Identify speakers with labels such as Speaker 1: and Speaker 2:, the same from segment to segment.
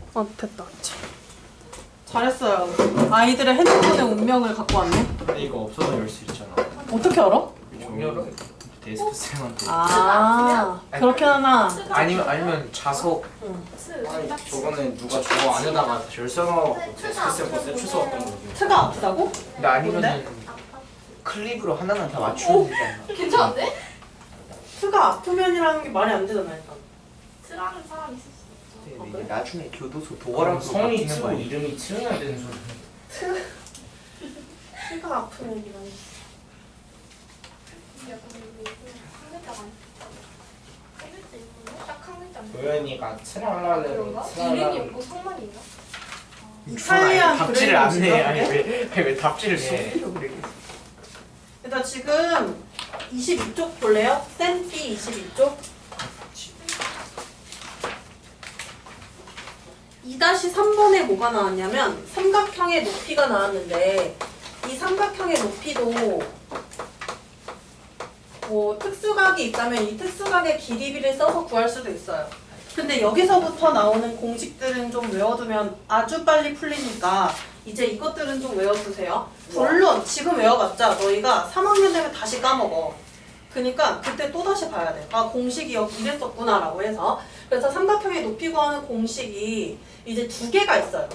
Speaker 1: 됐다. 잘했어요. 아이들의 핸드폰의 운명을 갖고 왔네.
Speaker 2: 근데 이거 없어서 열 수 있잖아.
Speaker 1: 어떻게 알아?
Speaker 2: 못 열어? 데스크 쌤한테.
Speaker 1: 그렇게 하나.
Speaker 2: 아니면 자석. 아니, 저거는 누가 저거 안에다가 열 써놓고 데스크 쌤 거 세추서 왔던 거지.
Speaker 1: 트가 아프다고?
Speaker 2: 근데 아니면은 클립으로 하나만 다 맞추면 되지 않나?
Speaker 3: 괜찮은데?
Speaker 1: 트가 아프면이라는 게 말이 안 되잖아 일단.
Speaker 3: 트라는 사람 있을 수 있어.
Speaker 2: 근데 이게 나중에 교도소 도어랑
Speaker 4: 성이
Speaker 2: 바뀌는
Speaker 4: 트고
Speaker 2: 거야.
Speaker 4: 이름이 트여야 되는 소리.
Speaker 1: 트가 아프면이라니.
Speaker 3: 약간 이거 한 글자가 아니야. 한 글자 있는데? 딱 한 글자.
Speaker 4: 도현이가 트랄라를
Speaker 3: 그런가? 이름이 없고 성만이 있나?
Speaker 1: 이탈리안
Speaker 2: 답지를 안 내.
Speaker 1: 브레인이지,
Speaker 2: 아니
Speaker 1: 그게?
Speaker 2: 왜 답지를 쏘려고 그래?
Speaker 1: 일단 지금 22쪽 볼래요? 쌤피 22쪽. 2-3번에 뭐가 나왔냐면 삼각형의 높이가 나왔는데 이 삼각형의 높이도 뭐 특수각이 있다면 이 특수각의 길이비를 써서 구할 수도 있어요. 근데 여기서부터 나오는 공식들은 좀 외워두면 아주 빨리 풀리니까 이제 이것들은 좀 외워두세요. 물론 지금 외워봤자 너희가 3학년 되면 다시 까먹어. 그러니까 그때 또 다시 봐야 돼. 아 공식이 여기 이랬었구나 라고 해서. 그래서 삼각형의 높이 구하는 공식이 이제 두 개가 있어요.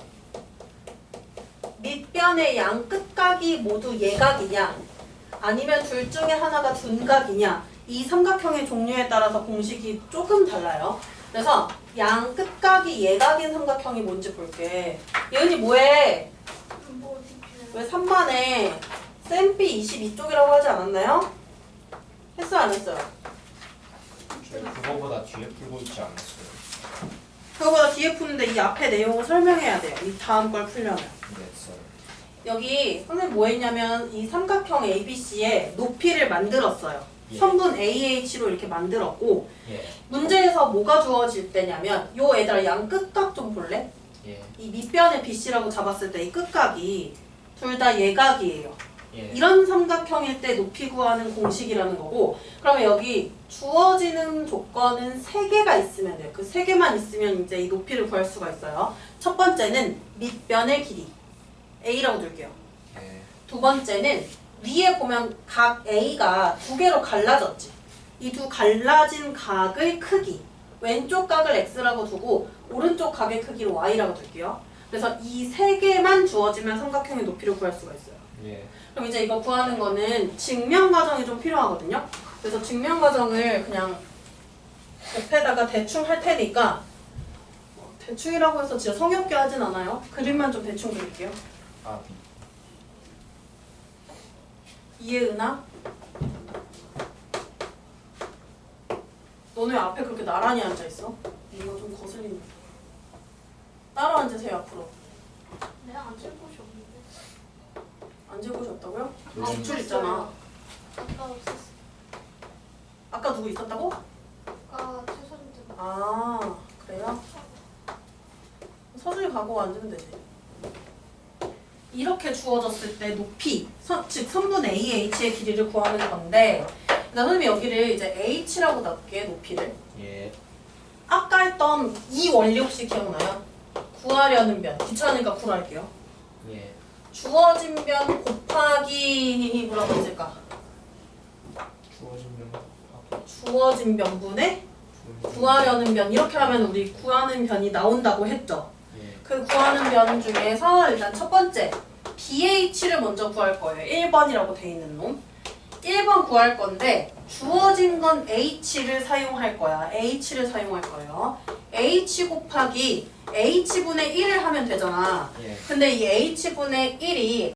Speaker 1: 밑변의 양 끝각이 모두 예각이냐 아니면 둘 중에 하나가 둔각이냐 이 삼각형의 종류에 따라서 공식이 조금 달라요. 그래서 양 끝각이 예각인 삼각형이 뭔지 볼게. 예은이 뭐해?
Speaker 3: 뭐 어디
Speaker 1: 왜 3반에 쌤비 22쪽이라고 하지 않았나요? 했어요 안 했어요?
Speaker 4: 저희 그거보다 뒤에 풀고 있지 않았어요.
Speaker 1: 그거보다 뒤에 푸는데 이 앞에 내용을 설명해야 돼요. 이 다음 걸 풀려면.
Speaker 4: 근데 했어요.
Speaker 1: 여기 선생님 뭐 했냐면 이 삼각형 ABC의 높이를 만들었어요.
Speaker 4: 예.
Speaker 1: 선분 AH로 이렇게 만들었고
Speaker 4: 예.
Speaker 1: 문제에서 뭐가 주어질 때냐면 요 애들아 양 끝각 좀 볼래?
Speaker 4: 예.
Speaker 1: 이 밑변에 BC라고 잡았을 때 이 끝각이 둘 다 예각이에요.
Speaker 4: 예.
Speaker 1: 이런 삼각형일 때 높이 구하는 공식이라는 거고 그러면 여기 주어지는 조건은 3개가 있으면 돼요. 그 3개만 있으면 이제 이 높이를 구할 수가 있어요. 첫 번째는 밑변의 길이 A라고 둘게요.
Speaker 4: 예.
Speaker 1: 두 번째는 위에 보면 각 A가 두 개로 갈라졌지. 이 두 갈라진 각의 크기 왼쪽 각을 X라고 두고 오른쪽 각의 크기를 Y라고 둘게요. 그래서 이 3개만 주어지면 삼각형의 높이를 구할 수가 있어요.
Speaker 4: 예.
Speaker 1: 그럼 이제 이거 구하는 거는 증명 과정이 좀 필요하거든요. 그래서 증명 과정을 그냥 옆에다가 대충 할 테니까 대충이라고 해서 진짜 성의 없게 하진 않아요. 그림만 좀 대충 그릴게요.
Speaker 4: 아.
Speaker 1: 이해은아? 너네 앞에 그렇게 나란히 앉아있어? 이거 좀 거슬린다. 따로 앉으세요 앞으로.
Speaker 3: 내가 앉을 곳이 없는데.
Speaker 1: 앉을 곳이 없다고요?
Speaker 4: 아,
Speaker 1: 뒷줄 있잖아.
Speaker 3: 아까 없었어.
Speaker 1: 아까 누구 있었다고?
Speaker 3: 아까 최선들.
Speaker 1: 아 그래요? 서준이 가고 앉으면 되지. 이렇게 주어졌을 때 높이, 즉 선분 AH의 길이를 구하는 건데 그러니까 선생님이 여기를 이제 H라고 놔볼게 높이를.
Speaker 4: 예.
Speaker 1: 아까 했던 이 원리 혹시 기억나요? 구하려는 변, 귀찮으니까 구할게요.
Speaker 4: 예.
Speaker 1: 주어진 변 곱하기 뭐라고 했을까?
Speaker 4: 주어진 명.
Speaker 1: 주어진 변분의 구하려는 변 이렇게 하면 우리 구하는 변이 나온다고 했죠.
Speaker 4: 예.
Speaker 1: 그 구하는 변 중에서 일단 첫 번째 BH를 먼저 구할 거예요. 1번이라고 돼 있는 놈. 1번 구할 건데 주어진 건 H를 사용할 거야. H를 사용할 거예요. H 곱하기 H분의 1을 하면 되잖아.
Speaker 4: 예.
Speaker 1: 근데 이 H분의 1이